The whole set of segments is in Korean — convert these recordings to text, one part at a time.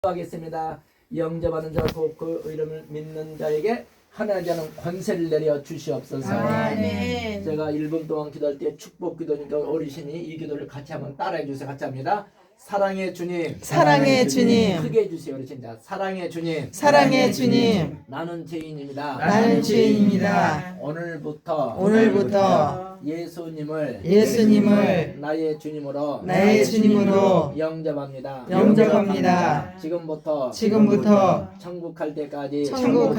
하겠습니다. 영접하는 자 곧 그 이름을 믿는 자에게 하나님의 자는 권세를 내려 주시옵소서. 아멘. 제가 1분 동안 기도할 때 축복 기도니까 어르신이 이 기도를 같이 한번 따라해 주세요. 같이 합니다. 사랑의 주님, 사랑의 주님, 크게 해주세요. 어르신. 자, 사랑의 주님, 사랑의 주님, 나는 죄인입니다. 나는 죄인입니다. 오늘부터 예수님을 나의 주님으로 영접합니다. 지금부터 천국 갈 때까지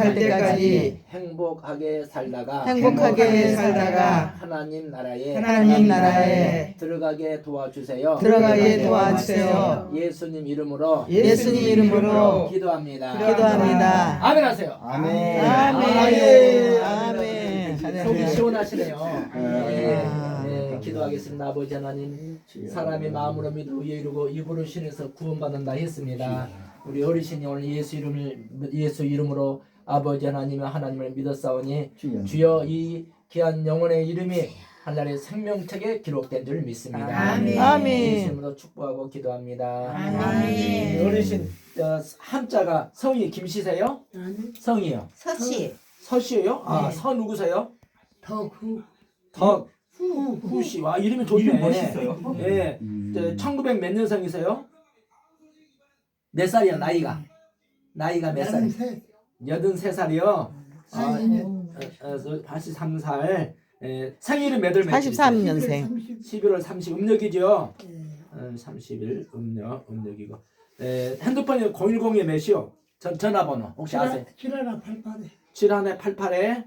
행복하게 살다가 하나님 나라에 들어가게 도와주세요. 예수님 이름으로 기도합니다. 아멘 하세요. 아멘. 속이 시원하시네요. 기도하겠습니다. 아버지 하나님, 사람이 마음으로 믿어 의에 이르고 입으로 신에서 구원받는다 했습니다. 우리 어르신이 오늘 예수 이름으로 아버지 하나님을 믿었사오니 주여 이 귀한 영혼의 이름이 하늘의 생명책에 기록된 줄 믿습니다. 아멘. 예수님으로 축복하고 기도합니다. 아멘. 어르신 한자가 성이 김씨세요? 성이요. 서씨예요? 서 누구세요? 후씨. 와, 이름이 좋네. 멋있어요. 예. 1900 몇 년생이세요? 몇 살이야, 나이가 몇 살? 83살이요? 83살. 생일은 몇 월 며칠? 83년생. 11월 30일 음력이죠? 30일 음력이고. 핸드폰이 010에 몇이요? 전화번호 혹시 아세요? 7188에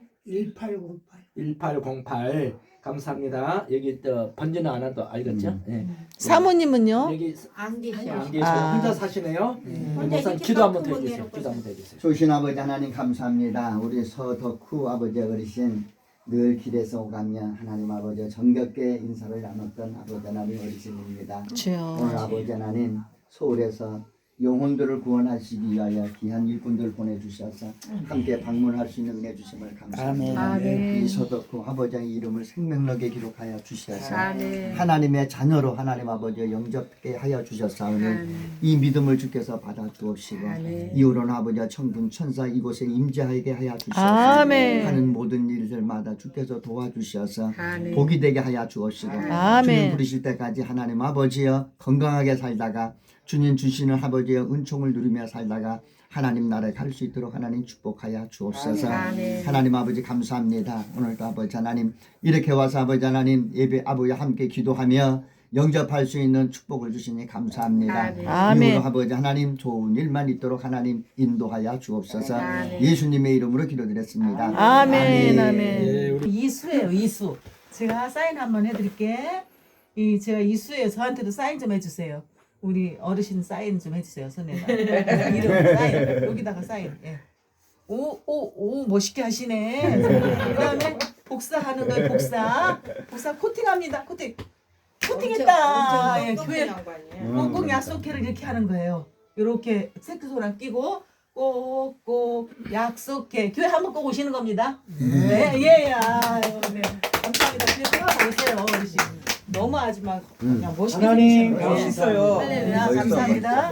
1808. 감사합니다. 여기 또 번지는 안 와도 알겠죠? 사모님은요? 여기 안 계셔. 안 계시고 혼자 사시네요. 우선 기도 한번 해주세요. 조신 아버지 하나님 감사합니다. 우리 서덕후 아버지 어르신 늘 길에서 오가며 하나님 아버지 정겹게 인사를 나눴던 아버지 하나님 어르신입니다. 오늘 아버지 하나님 서울에서 영혼들을 구원하시기 위하여 귀한 일꾼들 보내주셔서 함께 방문할 수 있는 은혜 주심을 감사합니다. 이 서덕후 아버지의 이름을 생명록에 기록하여 주셔서 하나님의 자녀로 하나님 아버지 영접하게 하여 주셨사오니 이 믿음을 주께서 받아 주옵시고 이후로는 아버지와 천군 천사 이곳에 임재하게 하여 주셔서 하는 모든 일들마다 주께서 도와주셔서 복이 되게 하여 주옵시고 주님 부르실 때까지 하나님 아버지여 건강하게 살다가 주님 주시는 아버지의 은총을 누리며 살다가 하나님 나라에 갈 수 있도록 하나님 축복하여 주옵소서. 하나님 아버지 감사합니다. 오늘도 아버지 하나님 이렇게 와서 아버지 하나님 예배 아버지와 함께 기도하며 영접할 수 있는 축복을 주시니 감사합니다. 이후로 아버지 하나님 좋은 일만 있도록 하나님 인도하여 주옵소서. 예수님의 이름으로 기도드렸습니다. 아멘. 이수예요, 이수. 제가 사인 한번 해드릴게. 제가 이수예요. 저한테도 사인 좀 해주세요. 우리 어르신 사인 좀 해주세요. 손에다. 이름 사인. 여기다가 사인. 예. 오, 멋있게 하시네. 그다음에 복사하는 거예요. 복사 코팅합니다. 코팅했다. 예, 교회 꼭 약속회를 이렇게 하는 거예요. 이렇게 색소랑 끼고 꼭 약속회. 교회 한번 꼭 오시는 겁니다. 네. 감사합니다. 교회 들어가 오세요, 어르신. 너무 하지 마. 그냥 멋있게 하나님 멋있어요. 감사합니다.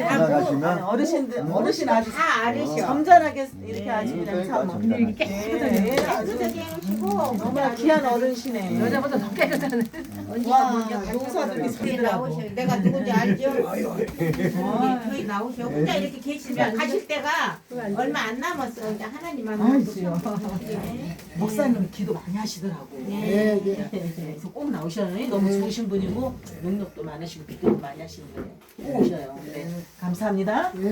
어르신 아주 다 알으셔. 점잖하게 이렇게 아주 그냥 참 이렇게 깨끗하게 해오시고 정말 귀한 어른이시네. 여자보다 더 깨끗한 와, 언니가 용사들이 저희 소리더라고. 나오셔. 내가 누군지 알죠? 저희 나오셔. 혼자 이렇게 계시면 가실 때가 얼마 안 남았어. 이제 하나님만 목사님 기도 많이 하시더라고. 그래서 꼭 나오셔요. 너무 좋으신 분이고 능력도 많으시고 기도도 많이 하시는 분이에요. 꼭 오셔요. 네. 감사합니다.